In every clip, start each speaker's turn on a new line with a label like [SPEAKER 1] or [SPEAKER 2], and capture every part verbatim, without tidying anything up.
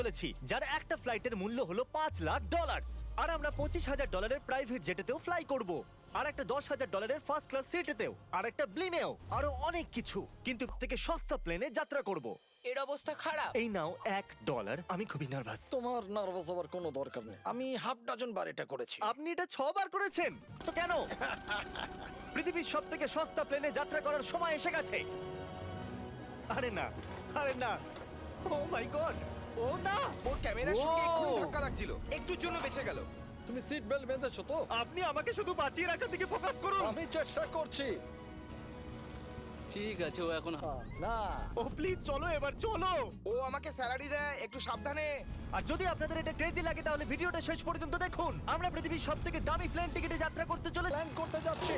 [SPEAKER 1] চলেছি যার একটা ফ্লাইটের মূল্য হলো পাঁচ লাখ ডলার। আর আমরা পঁচিশ হাজার ডলারের প্রাইভেট জেটেতেও ফ্লাই করব, আর একটা দশ হাজার ডলারের ফার্স্ট ক্লাস সিটেতেও, আর একটা ব্লিমেও, আরো অনেক কিছু। কিন্তু থেকে সস্তা প্লেনে যাত্রা করব।
[SPEAKER 2] এর অবস্থা খারাপ।
[SPEAKER 1] এই নাও এক ডলার। আমি খুবই নার্ভাস।
[SPEAKER 3] তোমার নার্ভাস হওয়ার কোনো দরকার নেই, আমি হাফ ডজন বার এটা করেছি।
[SPEAKER 1] আপনি এটা ছবার করেছেন তো কেন? পৃথিবীর সব থেকে সস্তা প্লেনে যাত্রা করার সময় এসে গেছে। আরে না, আরে না, ও মাই গড, ও না।
[SPEAKER 4] ওর ক্যামেরার সঙ্গে
[SPEAKER 1] Wow!
[SPEAKER 4] এক্ষুনি ধাক্কা লাগছিল, একটুর জন্য বেঁচে গেল।
[SPEAKER 3] তুমি সিট বেল্ট বেঁধেছো তো?
[SPEAKER 1] আপনি আমাকে শুধু বাঁচিয়ে রাখার দিকে ফোকাস করুন।
[SPEAKER 3] আমি চেষ্টা করছি।
[SPEAKER 5] ঠিক আছে, ও এখন
[SPEAKER 3] আহ, না
[SPEAKER 1] ও প্লিজ চলো, এবার চলো।
[SPEAKER 4] ও আমাকে স্যালারি দেয়, একটু সাবধানে।
[SPEAKER 1] আর যদি আপনাদের এটা ক্রেজি লাগে তাহলে ভিডিওটা শেষ পর্যন্ত দেখুন। আমরা পৃথিবীর সব থেকে দামি প্লেন টিকিটে যাত্রা করতে চলে
[SPEAKER 3] প্ল্যান করতে যাচ্ছি।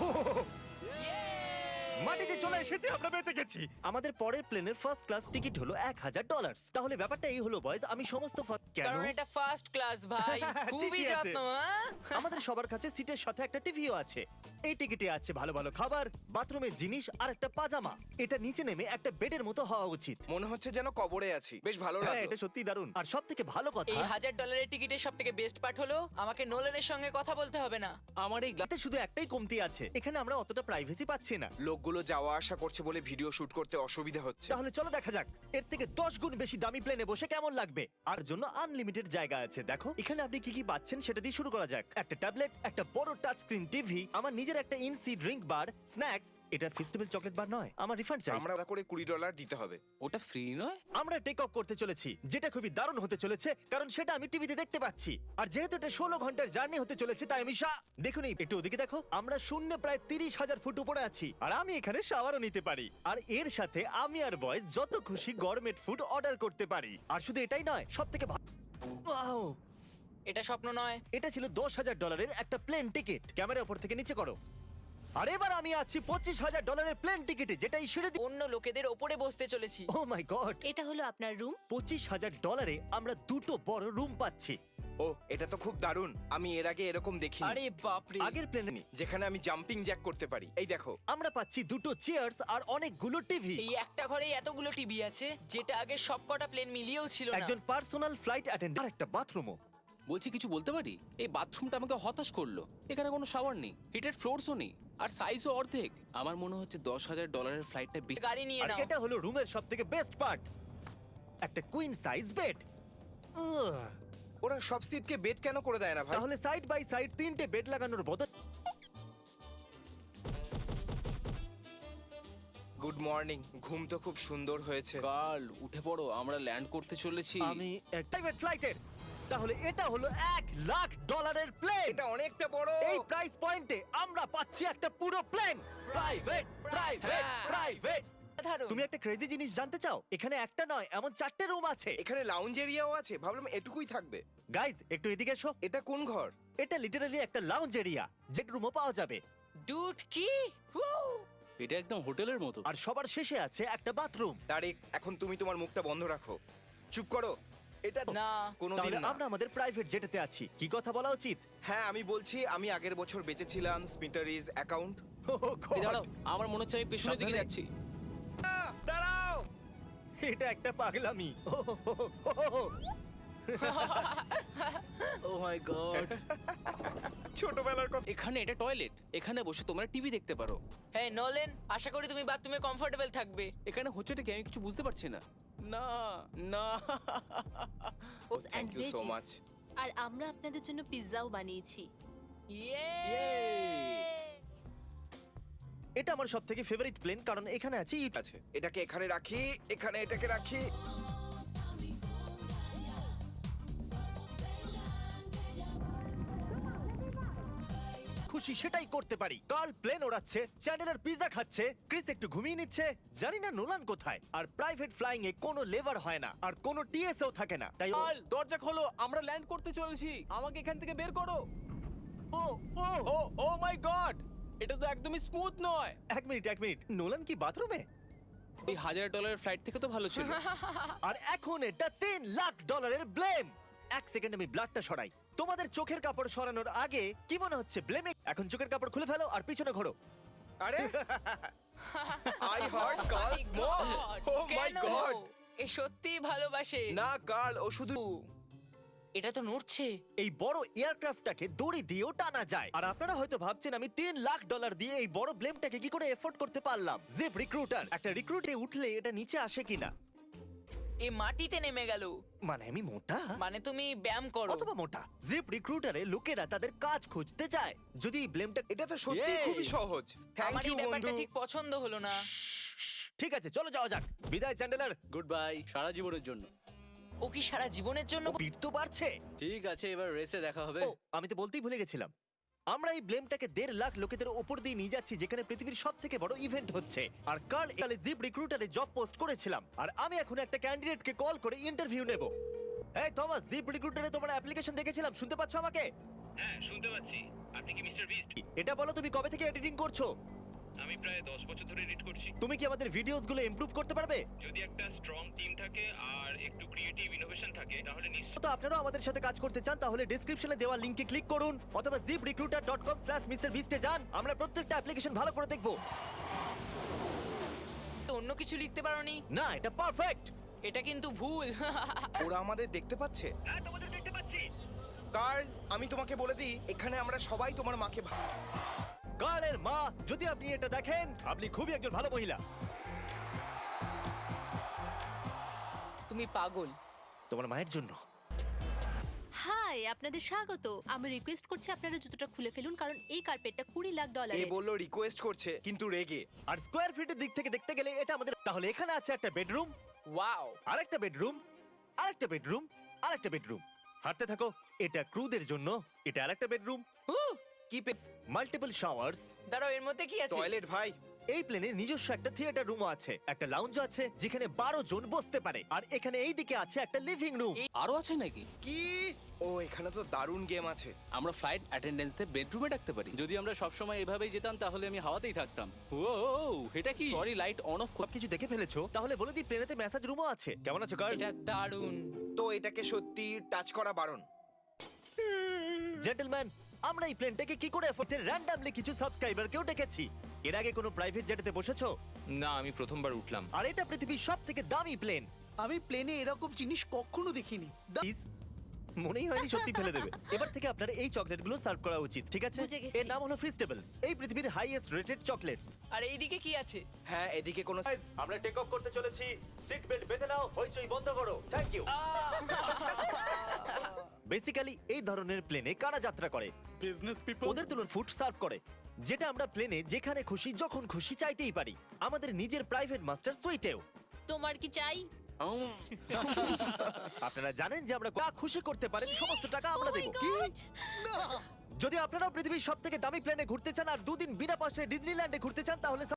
[SPEAKER 1] মাটিতে চলে এসেছি, আমরা বেঁচে গেছি। আমাদের পরের প্লেনের ফার্স্ট ক্লাস টিকিট হলো এক হাজার ডলার। তাহলে ব্যাপারটা এই হলো বয়স, আমি সমস্ত ফা- কেন
[SPEAKER 2] কারণ এটা ফার্স্ট ক্লাস ভাই, খুবই
[SPEAKER 1] ঠিকই আছে।
[SPEAKER 2] যত্ন। হ্যাঁ?
[SPEAKER 1] আমাদের সবার কাছে সিটের সাথে একটা টিভিও আছে। এই টিকিটে আছে ভালো ভালো খাবার, বাথরুমের জিনিস আর একটা পাজামা। এটা নিচে নেমে একটা বেডের মতো হওয়া উচিত।
[SPEAKER 4] মনে হচ্ছে যেন কবরে আছি, বেশ ভালো
[SPEAKER 1] হ্যাঁ,
[SPEAKER 4] লাগলো।
[SPEAKER 1] এটা সত্যি দারুণ। আর সব থেকে ভালো কথা,
[SPEAKER 2] এই হাজার ডলারের টিকিটের সব থেকে বেস্ট পার্ট হলো আমাকে নোলেনের সঙ্গে কথা বলতে হবে না।
[SPEAKER 5] আমার এই
[SPEAKER 1] এতে শুধু একটাই কমতি আছে, এখানে আমরা অতটা প্রাইভেসি পাচ্ছি না।
[SPEAKER 4] লোকগুলো যাওয়া আসা করছে বলে ভিডিও শুট করতে অসুবিধা হচ্ছে।
[SPEAKER 1] তাহলে চলো দেখা যাক এর থেকে দশ গুণ বেশি দামি প্লেনে বসে কেমন লাগবে। আর জন্য আনলিমিটেড জায়গা আছে। দেখো এখানে আপনি কি কি পাচ্ছেন সেটা দিয়ে শুরু করা যাক। একটা ট্যাবলেট, একটা বড় টাচ স্ক্রিন টিভি, আমার নিজের একটা ইনসি ড্রিঙ্ক বার, স্ন্যাক্স। এটা ফেস্টিভ্যাল চকলেট বার নয়, আমার রিফান্ড চাই।
[SPEAKER 4] আমরা করে কুড়ি ডলার দিতে হবে।
[SPEAKER 5] ওটা ফ্রি নয়।
[SPEAKER 1] আমরা টেক অফ করতে চলেছি, যেটা খুবই দারুণ হতে চলেছে কারণ সেটা আমি টিভিতে দেখতে পাচ্ছি। আর যেহেতু এটা ষোলো ঘন্টার জার্নি হতে চলেছে তাই আমি সা দেখুন এই একটু ওদিকে দেখো, আমরা শূন্য প্রায় তিরিশ হাজার ফুট উপরে আছি আর আমি এখানে শাওয়ারও নিতে পারি। আর এর সাথে আমি আর বয়স যত খুশি গরমেট ফুড অর্ডার করতে পারি। আর শুধু এটাই নয়, সব থেকে ওয়াও,
[SPEAKER 2] এটা স্বপ্ন নয়।
[SPEAKER 1] এটা ছিল দশ হাজার ডলারের একটা প্লেন টিকিট। ক্যামেরা উপর থেকে নিচে করো। আর এবার আমি আছি পঁচিশ হাজার ডলারের প্লেন টিকিটে, যেটাই সিঁড়ি দিয়ে-
[SPEAKER 2] অন্য লোকেদের ওপরে বসতে চলেছি।
[SPEAKER 1] ও মাই গড,
[SPEAKER 6] এটা হলো আপনার রুম।
[SPEAKER 1] পঁচিশ হাজার ডলারে আমরা দুটো বড় রুম পাচ্ছি।
[SPEAKER 4] ও, এটা তো খুব দারুণ। আমি এর আগে এরকম দেখিনি,
[SPEAKER 2] আরে বাপরে।
[SPEAKER 1] আগের প্লেনে
[SPEAKER 4] যেখানে আমি জাম্পিং জ্যাক করতে পারি। এই দেখো,
[SPEAKER 1] আমরা পাচ্ছি দুটো চেয়ার্স আর অনেকগুলো টিভি।
[SPEAKER 2] এই একটা ঘরে এতগুলো টিভি আছে, যেটা আগে সবকটা প্লেন মিলিয়েও ছিল না।
[SPEAKER 1] একজন পার্সোনাল ফ্লাইট অ্যাটেন্ডেন্ট আর একটা বাথরুমও।
[SPEAKER 5] বলছি কিছু বলতে পারি? এই বাথরুমটা আমাকে হতাশ করলো। এখানে কোনো শাওয়ার নেই, হিটেড ফ্লোরসও নেই, আর সাইজও অর্ধেক। আমার মনে হচ্ছে দশ হাজার ডলারের ফ্লাইটটা বেশি।
[SPEAKER 2] গাড়ি নিয়ে
[SPEAKER 1] আর
[SPEAKER 2] নাও।
[SPEAKER 1] এটা হলো রুমের সবথেকে বেস্ট পার্ট, একটা কুইন সাইজ বেড।
[SPEAKER 4] ওরা সব সিটকে বেড কেন করে দেয় না ভাই?
[SPEAKER 1] তাহলে সাইড বাই সাইড তিনটে বেড লাগানোর বদল।
[SPEAKER 4] Good morning. ঘুম তো খুব সুন্দর হয়েছে।
[SPEAKER 5] কাল উঠে পড়ো, আমরা ল্যান্ড করতে চলেছি।
[SPEAKER 1] আমি প্রাইভেট ফ্লাইটের। তাহলে এটা হলো এক লাখ ডলারের প্লেন।
[SPEAKER 4] এটা অনেকটা বড়।
[SPEAKER 1] এই প্রাইস পয়েন্টে আমরা পাচ্ছি একটা পুরো প্লেন। Private, private, private.
[SPEAKER 2] দারুণ।
[SPEAKER 1] তুমি একটা ক্রেজি জিনিস জানতে চাও? এখানে একটা নয়, এমন চারটে রুম আছে।
[SPEAKER 4] এখানে লাউঞ্জ এরিয়াও আছে, ভাবলাম এটুকুই থাকবে।
[SPEAKER 1] গাইজ একটু এদিকে এসো।
[SPEAKER 4] এটা কোন ঘর?
[SPEAKER 1] এটা লিটারালি একটা লাউঞ্জ এরিয়া, জেট রুমও পাওয়া যাবে।
[SPEAKER 2] ডুড কি? Woo!
[SPEAKER 5] এটা একদম হোটেলের মতো।
[SPEAKER 1] আর সবার শেষে আছে একটা বাথরুম।
[SPEAKER 4] তারিক, এখন তুমি তোমার মুখটা বন্ধ রাখো। চুপ করো। এটা
[SPEAKER 2] না।
[SPEAKER 4] কোনোদিন
[SPEAKER 1] তাহলে
[SPEAKER 4] না।
[SPEAKER 1] আমরা আমাদের প্রাইভেট জেটেতে আছি, কি কথা বলা উচিত?
[SPEAKER 4] হ্যাঁ, আমি বলছি আমি আগের বছর বেঁচেছিলাম স্মিটারিজ অ্যাকাউন্ট।
[SPEAKER 1] Oh God!
[SPEAKER 5] এই দাঁড়াও, আমার মনে হচ্ছে আমি পেছনের দিকে
[SPEAKER 1] সাবধানে।
[SPEAKER 5] যাচ্ছি।
[SPEAKER 4] দাঁড়াও।
[SPEAKER 1] এটা একটা পাগলামি। Oh, oh, oh, oh, oh.
[SPEAKER 5] Oh my God.
[SPEAKER 4] ছোটবেলার কথা।
[SPEAKER 5] এখানে এটা টয়লেট, এখানে বসে তোমরা টিভি দেখতে পারো।
[SPEAKER 2] হ্যাঁ নোলেন, আশা করি তুমি বাথরুমে কমফোর্টেবল থাকবে।
[SPEAKER 5] এখানে হচ্ছেটা কি আমি কিছু বুঝতে পারছি না। না না।
[SPEAKER 4] Thank you so much.
[SPEAKER 6] আর আমরা আপনাদের জন্য পিৎজাও বানিয়েছি।
[SPEAKER 2] ইয়ে!
[SPEAKER 1] এটা আমার সব থেকে ফেভারিট প্লেন কারণ এখানে আছে ইট।
[SPEAKER 4] আছে, এটাকে এখানে রাখি, এখানে এটাকে রাখি।
[SPEAKER 1] খুশি সেটাই করতে পারি। কার্ল প্লেন ওড়াচ্ছে, চ্যান্ডেলার পিৎজা খাচ্ছে, ক্রিস একটু ঘুমিয়ে নিচ্ছে, জানি না নোলান কোথায়। আর প্রাইভেট ফ্লাইং এ কোনো লেভার হয় না আর কোনো টিএসও থাকে না, তাই
[SPEAKER 5] কাল দরজা খোলো, আমরা ল্যান্ড করতে চলেছি। আমাকে এখান থেকে বের করো।
[SPEAKER 1] ও ও
[SPEAKER 5] ও ও মাই গড, এটা তো একদমই স্মুথ নয়।
[SPEAKER 1] এক মিনিট এক মিনিট নোলান কি বাথরুমে?
[SPEAKER 5] এই হাজার ডলারের ফ্লাইট থেকে তো ভালো ছিল।
[SPEAKER 1] আর এখন এটা তিন লাখ ডলারের ব্লেম। এক সেকেন্ড আমি ব্লাডটা সরাই। তোমাদের চোখের কাপড় সরানোর আগে কি মনে হচ্ছে ব্লেমে? এখন চোখের কাপড় খুলে ফেলো আর পিছনে ঘোরো।
[SPEAKER 4] আরে I heart girls more. Oh my
[SPEAKER 2] কেন?
[SPEAKER 4] গড।
[SPEAKER 2] আমাকে সত্যিই ভালোবাসে।
[SPEAKER 4] না কার্ল, ও শুধু
[SPEAKER 2] এটা তো নড়ছে।
[SPEAKER 1] এই বড় এয়ারক্রাফটটাকে দড়ি দিয়েও টানা যায়। আর আপনারা হয়তো ভাবছেন আমি তিন লাখ ডলার দিয়ে এই বড় ব্লেমটাকে কি করে এফোর্ড করতে পারলাম। জিপ রিক্রুটার, একটা রিক্রুটে উঠলে এটা নিচে আসে কিনা?
[SPEAKER 2] এ মাটিতে নেমে গেল।
[SPEAKER 1] মানে আমি মোটা
[SPEAKER 2] মানে তুমি ব্যায়াম করো।
[SPEAKER 1] অথবা মোটা। জিপ রিক্রুটারে লোকেরা তাদের কাজ খুঁজতে যায়। যদি এই ব্লেমটা
[SPEAKER 4] এটা তো সত্যি
[SPEAKER 1] Yay!
[SPEAKER 4] খুবই সহজ। থ্যাংক
[SPEAKER 2] আমার
[SPEAKER 4] ইউ
[SPEAKER 2] এই ব্যাপারটা
[SPEAKER 4] বন্ধু।
[SPEAKER 2] ঠিক পছন্দ হলো না।
[SPEAKER 1] ঠিক আছে, চলো যাওয়া যাক। বিদায় চ্যান্ডেলার।
[SPEAKER 5] গুড বাই, সারা জীবনের জন্য।
[SPEAKER 2] ও কি সারা জীবনের জন্য?
[SPEAKER 1] পিঠ তো বাড়ছে।
[SPEAKER 5] ঠিক আছে, এবার রেসে দেখা হবে।
[SPEAKER 1] ও, আমি তো বলতেই ভুলে গেছিলাম। আমরা এই ব্লেমটাকে দেড় লাখ লোকেদের ওপর দিয়ে নিয়ে যাচ্ছি, যেখানে পৃথিবীর সব থেকে বড় ইভেন্ট হচ্ছে। আর কার্ল একালে জিপ রিক্রুটারে জব পোস্ট করেছিলাম, আর আমি এখন একটা ক্যান্ডিডেটকে কল করে ইন্টারভিউ নেব। এই থমাস, জিপ রিক্রুটারে তোমার অ্যাপ্লিকেশন দেখেছিলাম, শুনতে পাচ্ছ আমাকে?
[SPEAKER 7] হ্যাঁ শুনতে পাচ্ছি। আপনি কি মিস্টার বিস্ট?
[SPEAKER 1] এটা বলো, তুমি কবে থেকে এডিটিং করছো?
[SPEAKER 7] আমি প্রায় দশ বছর ধরে এডিট করছি।
[SPEAKER 1] তুমি কি আমাদের ভিডিওস গুলো ইমপ্রুভ করতে পারবে?
[SPEAKER 7] যদি একটা স্ট্রং টিম থাকে আর একটু ক্রিয়েটিভ ইনোভেশন থাকে তাহলে নিশ্চয়ই।
[SPEAKER 1] তো আপনারাও আমাদের সাথে কাজ করতে চান তাহলে ডেসক্রিপশনে দেওয়া লিংকে ক্লিক করুন অথবা ZipRecruiter dot com slash mister বিস্টে যান। আমরা প্রত্যেকটা অ্যাপ্লিকেশন ভালো করে দেখবো।
[SPEAKER 2] তো অন্য কিছু লিখতে পারোনি?
[SPEAKER 1] না, এটা পারফেক্ট।
[SPEAKER 2] এটা কিন্তু ভুল।
[SPEAKER 4] ওরা আমাদের দেখতে পাচ্ছে।
[SPEAKER 7] হ্যাঁ তোমাদের দেখতে পাচ্ছি।
[SPEAKER 4] কার্ল, আমি তোমাকে বলে দিই, এখানে আমরা সবাই তোমার মাকে ভা-
[SPEAKER 1] কার্লের মা, যদি আপনি এটা দেখেন, আপনি খুবই একজন ভালো মহিলা।
[SPEAKER 2] তুমি পাগল।
[SPEAKER 1] তোমার মায়ের জন্য।
[SPEAKER 6] হাই, আপনাদের স্বাগত। আমি রিকোয়েস্ট করছি আপনারা জুতোটা খুলে ফেলুন, কারণ এই কার্পেটটা কুড়ি লাখ
[SPEAKER 4] এ
[SPEAKER 6] ডলারের।
[SPEAKER 4] বললো রিকোয়েস্ট করছে কিন্তু রেগে।
[SPEAKER 1] আর স্কোয়ার ফিটের দিক থেকে দেখতে গেলে এটা আমাদের। তাহলে এখানে আছে একটা বেডরুম,
[SPEAKER 2] ওয়াও।
[SPEAKER 1] আরেকটা বেডরুম, আরেকটা বেডরুম, আরেকটা বেডরুম। হাঁটতে থাকো। এটা ক্রুদের জন্য। এটা আরেকটা বেডরুম,
[SPEAKER 4] কি
[SPEAKER 1] মাল্টিপল শাওয়ার্স।
[SPEAKER 2] দাঁড়াও, এর মধ্যে কি আছে?
[SPEAKER 4] টয়লেট ভাই।
[SPEAKER 1] এই প্লেনে নিজস্ব একটা থিয়েটার রুমও আছে, একটা লাউঞ্জ আছে যেখানে বারো জন বসতে পারে, আর এখানে এই দিকে আছে একটা লিভিং রুম।
[SPEAKER 5] আরো আছে নাকি?
[SPEAKER 4] কি? ও, এখানে তো দারুণ গেম আছে।
[SPEAKER 5] আমরা ফ্লাইট অ্যাটেন্ডেন্সে বেডরুমে ডাকতে পারি। যদি আমরা সব সময় এভাবেই যেতাম তাহলে আমি হাওয়াতেই থাকতাম। ও, এটা কি? Sorry, light on off.
[SPEAKER 1] সবকিছু দেখে ফেলেছো? তাহলে বলে দিই প্লেনেতে ম্যাসাজ রুমও আছে। কেমন আছো গার্ল?
[SPEAKER 2] এটা দারুণ।
[SPEAKER 4] তো এটাকে সত্যি টাচ করা বারণ।
[SPEAKER 1] জেন্টলম্যান, আমরা এই প্লেনটাকে কি করে এফোর্টে র্যান্ডমলি কিছু সাবস্ক্রাইবারকেও ডেকেছি। এর আগে কোনো প্রাইভেট জেটেতে বসেছো?
[SPEAKER 8] না, আমি প্রথমবার উঠলাম।
[SPEAKER 1] আর এটা পৃথিবীর সব থেকে দামি প্লেন।
[SPEAKER 9] আমি প্লেনে এরকম জিনিস কখনো দেখিনি।
[SPEAKER 1] Please, মনেই হয়নি সত্যি ফেলে দেবে। এবার থেকে আপনার এই চকলেটগুলো সার্ভ করা উচিত, ঠিক আছে?
[SPEAKER 6] বুঝে গেছি।
[SPEAKER 1] এর নাম হলো ফিস্টেবলস, এই পৃথিবীর হাইয়েস্ট রেটেড চকলেটস।
[SPEAKER 2] আর এইদিকে কি আছে?
[SPEAKER 4] হ্যাঁ, এদিকে কোনো
[SPEAKER 1] আমরা টেক অফ করতে চলেছি। সিট বেল্ট বেঁধে নাও, হইচই বন্ধ করো। Thank you. বেসিক্যালি এই ধরনের প্লেনে কারা যাত্রা করে?
[SPEAKER 9] Business people.
[SPEAKER 1] ওদের তুলন ফুড সার্ভ করে, যেটা আমরা প্লেনে যেখানে খুশি যখন খুশি চাইতেই পারি। আমাদের নিজের প্রাইভেট মাস্টার সুইটেও।
[SPEAKER 6] তোমার কি চাই?
[SPEAKER 1] আপনারা জানেন যে আমরা যা খুশি করতে পারেন সমস্ত টাকা আমরা
[SPEAKER 6] Oh my
[SPEAKER 1] দেবো।
[SPEAKER 6] God!
[SPEAKER 1] যদি আপনারাও পৃথিবীর সব থেকে দামি প্লেনে ঘুরতে চান আর দুদিন বিনা পয়সায় ডিজনিল্যান্ডে ঘুরতে চান তাহলে